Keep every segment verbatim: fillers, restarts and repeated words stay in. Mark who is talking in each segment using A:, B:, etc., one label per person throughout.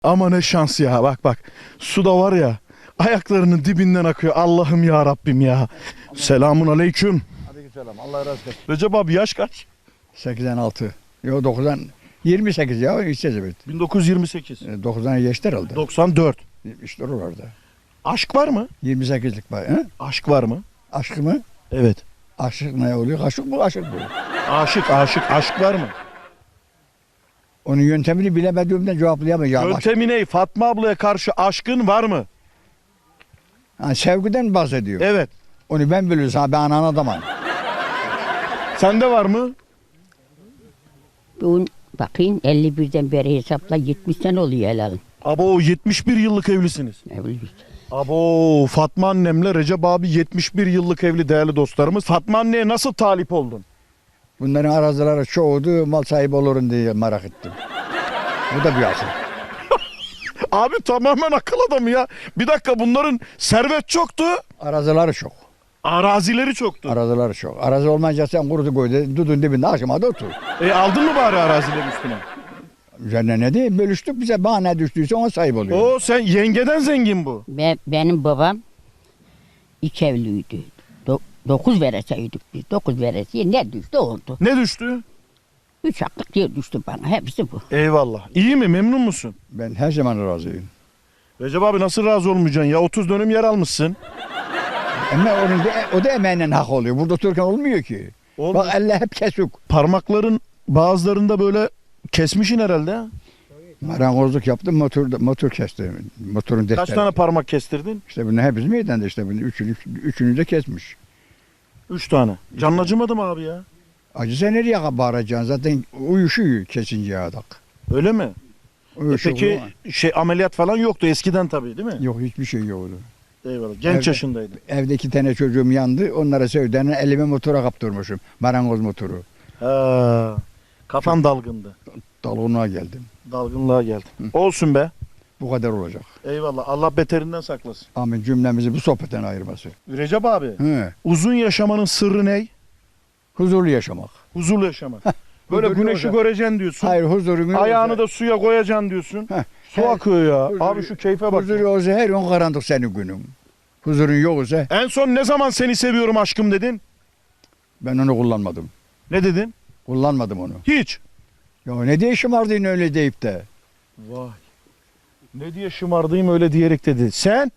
A: Ama ne şans ya, bak bak. Su da var ya, ayaklarının dibinden akıyor. Allah'ım ya Rabbim ya. Selamun aleyküm.
B: Aleykümselam. Allah razı olsun.
A: Recep abi yaş kaç?
B: sekizden altı. Yok dokuzdan yirmi sekiz ya işte evet.
A: bin dokuz yüz yirmi sekiz.
B: dokuzdan geçti herhalde.
A: doksan dört.
B: İşte oralarda.
A: Aşk var mı?
B: yirmi sekizlik var. He?
A: Aşk var mı?
B: Aşk mı?
A: Evet.
B: Aşık ne oluyor? Aşık bu, aşık bu.
A: Aşık, aşık, aşk var mı?
B: Onun yöntemini bilemediğimden cevaplayamayacağım. Aşk.
A: Yöntemi ne? Fatma ablaya karşı aşkın var mı?
B: Ha, sevgiden bahsediyor.
A: Evet.
B: Onu ben biliyorsam ben anan adamım.
A: Sende var mı?
C: Bu bakayım elli birden beri hesapla yetmiş sene oluyor helal.
A: Abo yetmiş bir yıllık evlisiniz.
C: Evliyiz.
A: Abo Fatma annemle Recep abi yetmiş bir yıllık evli değerli dostlarımız. Fatma anneye nasıl talip oldun?
B: Bunların arazileri çoğudu, mal sahibi olurum diye merak ettim. Bu da bir asıl.
A: Abi tamamen akıl adamı ya. Bir dakika, bunların servet çoktu.
B: Arazileri çok.
A: Arazileri çoktu.
B: Arazileri çok. Arazi olmayınca sen kurudu koydu, dudun dibinde akşama da otur.
A: E aldın mı bari arazileri üstüne?
B: Üzerine ne diyeyim, bölüştük bize bana ne düştüyse ona sahip oluyor.
A: Oo sen yengeden zengin bu.
C: Be, benim babam iki evliydi. Do, dokuz vereseydik biz. Dokuz veresiye ne düştü oldu.
A: Ne düştü?
C: Üç haklık yer düştü bana. Hepsi bu.
A: Eyvallah. İyi mi? Memnun musun?
B: Ben her zaman razıyım.
A: Recep abi nasıl razı olmayacaksın ya? otuz dönüm yer almışsın.
B: Ama onun da, o da emeğinden hak oluyor. Burada otururken olmuyor ki.
A: Olmuyor.
B: Bak elle hep kesik.
A: Parmakların bazılarında böyle kesmişin herhalde. ha?
B: Marangozluk yaptım, motor, motor kestim. Motorun
A: Kaç
B: defteri.
A: tane parmak kestirdin?
B: İşte bunu hepsi meydanda işte. Bunu üçünü, üçünü de kesmiş.
A: Üç tane. Canın acımadı mı abi ya?
B: Acı sen nereye bağıracaksın? Zaten uyuşuyor kesince adak.
A: Öyle mi? E
B: Uyuşuyor
A: peki
B: ama.
A: şey ameliyat falan yoktu eskiden tabii değil mi?
B: Yok hiçbir şey yoktu.
A: Eyvallah. Genç
B: Evde-
A: yaşındaydı.
B: Evde iki tane çocuğum yandı. Onlara sevdiğini elime motora kaptırmışım. Marangoz motoru.
A: Ha, kafan dalgındı.
B: Dalgınlığa geldim.
A: Dalgınlığa geldin. Olsun be.
B: Bu kadar olacak.
A: Eyvallah. Allah beterinden saklasın.
B: Amin cümlemizi bu sohbetten ayırması.
A: Recep abi,
B: He.
A: uzun yaşamanın sırrı ne?
B: Huzurlu yaşamak.
A: Huzurlu yaşamak. Böyle
B: Huzurlu
A: güneşi
B: olacak.
A: göreceksin diyorsun.
B: Hayır huzurun
A: Ayağını da suya koyacaksın diyorsun.
B: Heh.
A: Su
B: Her-
A: akıyor ya.
B: huzuru-
A: Abi şu keyfe bak.
B: Huzur olsa her gün karanlık senin günün. Huzurun yoksa
A: En son ne zaman seni seviyorum aşkım dedin?
B: ben onu kullanmadım.
A: Ne dedin?
B: Kullanmadım onu.
A: Hiç.
B: Ya ne diye şımardın öyle deyip de.
A: Vay. Ne diye şımardayım öyle diyerek dedi. Sen?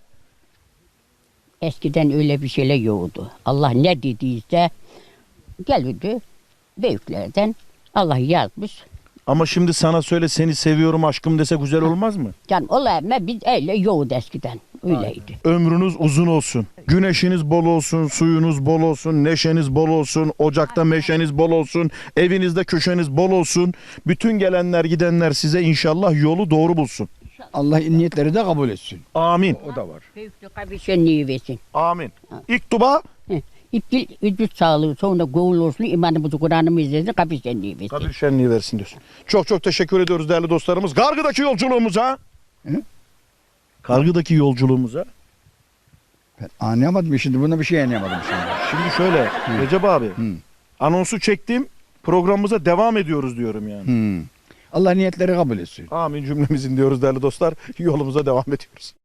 C: Eskiden öyle bir şeyler yoktu. Allah ne dediyse gelirdi büyüklerden. Allah yazmış.
A: Ama şimdi sana söyle seni seviyorum aşkım dese güzel olmaz mı?
C: Can olayım biz öyle yoktu eskiden. Öyleydi.
A: Ömrünüz uzun olsun. Güneşiniz bol olsun, suyunuz bol olsun, neşeniz bol olsun, ocakta meşeniz bol olsun, evinizde köşeniz bol olsun. Bütün gelenler gidenler size inşallah yolu doğru bulsun.
B: Allah niyetleri de kabul etsin.
A: Amin.
B: O da var.
C: Büyüklük kabişenliği versin.
A: Amin. İlk duba
C: İptil, vücut sağlığı, sonra gavul olsun, imanımızı, Kur'an'ımızı izlesin, kabişenliği versin.
A: Kadir şenliği versin diyorsun. Çok çok teşekkür ediyoruz değerli dostlarımız. Kargıdaki yolculuğumuza.
B: Hı?
A: Kargıdaki yolculuğumuza.
B: Ben anlayamadım şimdi. Buna bir şey anlayamadım şimdi.
A: Şimdi şöyle Recep abi.
B: Hı.
A: Anonsu çektim. Programımıza devam ediyoruz diyorum yani.
B: Hmm. Allah niyetleri kabul etsin.
A: Amin cümlemizin diyoruz değerli dostlar. Yolumuza devam ediyoruz.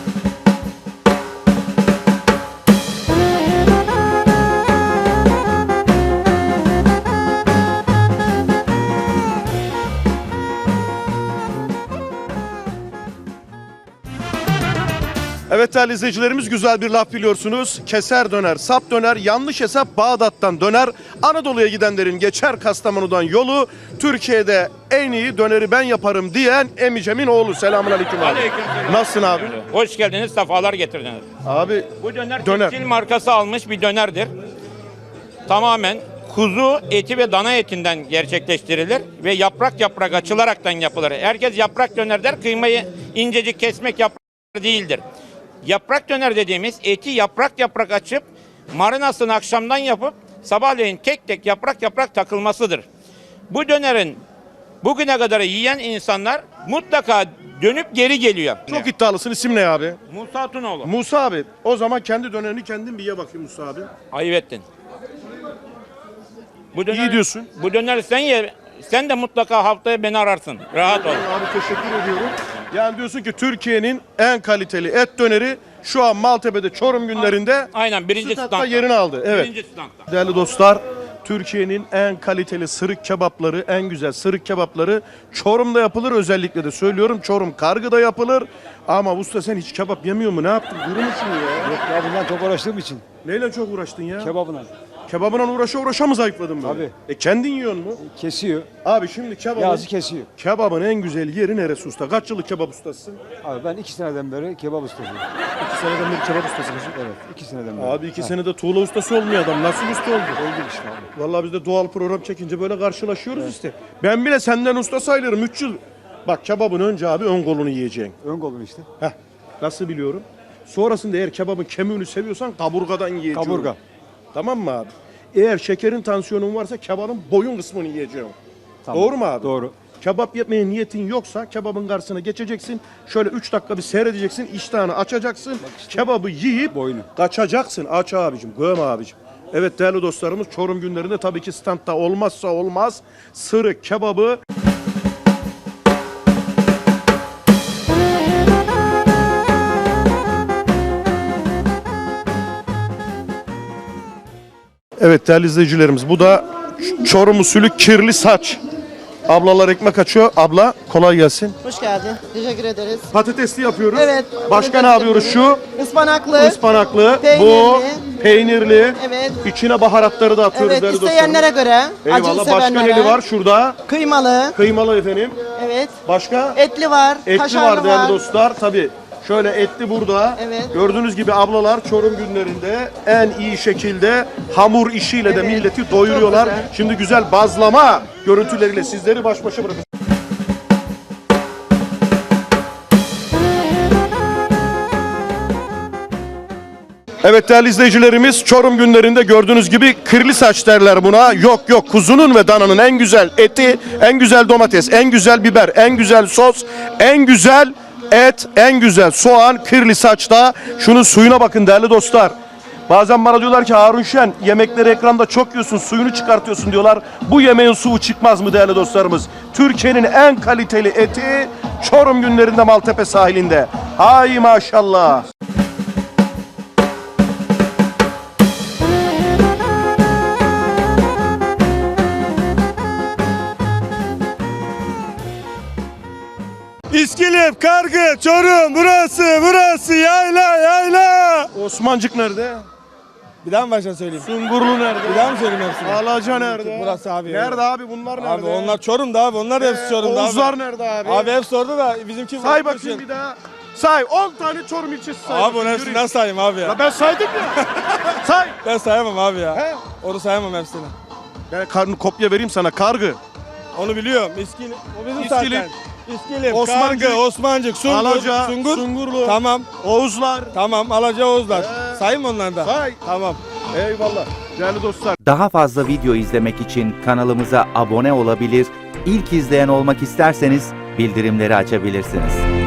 A: Evet değerli izleyicilerimiz, güzel bir laf biliyorsunuz. Keser döner, sap döner, yanlış hesap Bağdat'tan döner. Anadolu'ya gidenlerin geçer Kastamonu'dan yolu. Türkiye'de en iyi döneri ben yaparım diyen Emicem'in oğlu. Selamun aleyküm abi.
D: Aleykümselam.
A: Nasılsın abi?
D: Hoş geldiniz, sefalar getirdiniz.
A: Abi
D: Bu döner,
A: Döner.
D: tekstil markası almış bir dönerdir. Tamamen kuzu eti ve dana etinden gerçekleştirilir ve yaprak yaprak açılaraktan yapılır. Herkes yaprak döner der, kıymayı incecik kesmek yaprak değildir. Yaprak döner dediğimiz eti yaprak yaprak açıp marinasını akşamdan yapıp sabahleyin tek tek yaprak yaprak takılmasıdır. Bu dönerin bugüne kadar yiyen insanlar mutlaka dönüp geri geliyor.
A: çok iddialısın. İsim ne abi?
D: Musa Tunoğlu.
A: Musa abi. O zaman kendi dönerini kendin bir ye bakayım Musa abi.
D: Ayıp ettin. Bu döner,
A: İyi diyorsun.
D: Bu döner sen ye. Sen de mutlaka haftaya beni ararsın. Rahat ol.
A: Abi teşekkür ediyorum. Yani diyorsun ki Türkiye'nin en kaliteli et döneri şu an Maltepe'de Çorum günlerinde
D: Aynen birinci
A: standta
D: standta.
A: yerini aldı. Evet.
D: Birinci standta.
A: Değerli dostlar, Türkiye'nin en kaliteli sırık kebapları, en güzel sırık kebapları Çorum'da yapılır. Özellikle de söylüyorum, Çorum Kargı'da yapılır. Ama usta sen hiç kebap yemiyor mu? Ne yaptın? Kuru musun ya?
E: Yok ya bundan çok uğraştığım için.
A: Neyle çok uğraştın ya?
E: Kebabına.
A: Kebabına uğraşa uğraşa mı zayıfladın böyle?
E: Tabii.
A: E kendin yiyorsun mu?
E: Kesiyor.
A: Abi şimdi kebabın,
E: Yazı kesiyor.
A: kebabın en güzel yeri neresi usta? Kaç yıllık kebap ustasısın?
E: Abi ben iki seneden beri kebap ustasıyım.
A: İki seneden beri kebap ustasısın.
E: Evet iki seneden beri.
A: Abi iki senede tuğla ustası olmuyor adam. Nasıl usta oldu?
E: Oldu işte abi.
A: Vallahi biz de doğal program çekince böyle karşılaşıyoruz işte. Ben bile senden usta sayılırım. üç yıl. Bak kebabın önce abi ön kolunu yiyeceksin.
E: Ön kolun işte.
A: Heh. Nasıl biliyorum? Sonrasında eğer kebabın kemiğini seviyorsan kaburgadan yiyeceksin.
E: Kaburga.
A: Tamam mı abi? Eğer şekerin tansiyonun varsa kebabın boyun kısmını yiyeceksin.
E: Tamam.
A: Doğru mu abi?
E: Doğru.
A: Kebap yemeye niyetin yoksa kebabın karşısına geçeceksin. Şöyle üç dakika bir seyredeceksin. İştahını açacaksın. Kebabı yiyip
E: Boynu.
A: kaçacaksın. Aç abicim, göm abicim. Evet değerli dostlarımız, Çorum günlerinde tabii ki standta olmazsa olmaz sırık kebabı. Evet değerli izleyicilerimiz, bu da Çorum usulü kirli saç. Ablalar ekmek açıyor. Abla kolay gelsin.
F: Hoş geldin. Teşekkür ederiz.
A: Patatesli yapıyoruz.
F: Evet.
A: Başka ne yapıyoruz şu?
F: Ispanaklı.
A: Ispanaklı.
F: Peynirli.
A: Bu peynirli.
F: Evet.
A: İçine baharatları da atıyoruz
F: Evet,
A: değerli
F: isteyenlere
A: dostlarım.
F: göre. Acılı
A: Eyvallah. Başka
F: sevenlere.
A: neli var şurada?
F: Kıymalı.
A: Kıymalı efendim.
F: Evet.
A: Başka?
F: Etli var.
A: Etli
F: kaşarlı
A: var değerli dostlar. Tabii. Şöyle etli burada.
F: Evet.
A: Gördüğünüz gibi ablalar Çorum günlerinde en iyi şekilde hamur işiyle de
F: Evet.
A: milleti doyuruyorlar.
F: Çok güzel.
A: Şimdi güzel bazlama görüntüleriyle sizleri baş başa bırakın. Evet değerli izleyicilerimiz, Çorum günlerinde gördüğünüz gibi kirli saç derler buna. Yok yok, kuzunun ve dananın en güzel eti, en güzel domates, en güzel biber, en güzel sos, en güzel et, en güzel soğan kirli saçta. Şunun suyuna bakın değerli dostlar. Bazen bana diyorlar ki Harun Şen, yemekleri ekranda çok yiyorsun, suyunu çıkartıyorsun diyorlar. Bu yemeğin suyu çıkmaz mı değerli dostlarımız? Türkiye'nin en kaliteli eti Çorum günlerinde Maltepe sahilinde. Hay maşallah.
G: İskilip, Kargı, Çorum, burası, burası, yayla, yayla.
A: Osmancık nerede?
G: Bir daha mı baştan söyleyeyim?
A: Sungurlu nerede?
G: Bir daha mı söyleyeyim hepsini?
A: Alaca nerede?
G: Burası abi.
A: Nerede abi, bunlar nerede?
G: Abi onlar Çorum'da abi, onlar da hepsi
A: Ee,
G: Çorum'da abi.
A: Oğuzlar nerede abi?
G: Abi hepsi orada da bizimki...
A: Say bakayım bir daha. Say, on tane Çorum ilçesi say.
G: Abi
A: bakayım,
G: onun hepsinden
A: yürü.
G: sayayım abi
A: Ya
G: ya.
A: ben saydım ya. Say.
G: Ben sayamam abi ya.
A: He?
G: Onu sayamam hepsini.
A: Ben karnı kopya vereyim sana, Kargı.
G: Onu biliyorum. İskilip, o bizim
A: İskilip,
G: zaten. İskilip,
A: Osmancık,
G: Kargı, Osmancık, Sungur,
A: Alaca,
G: Sungur.
A: Sungurlu,
G: Tamam,
A: Oğuzlar.
G: tamam. Alaca, Oğuzlar.
A: He.
G: Sayayım mı onları da?
A: Say.
G: Tamam.
A: Eyvallah. Değerli dostlar.
H: Daha fazla video izlemek için kanalımıza abone olabilir, ilk izleyen olmak isterseniz bildirimleri açabilirsiniz.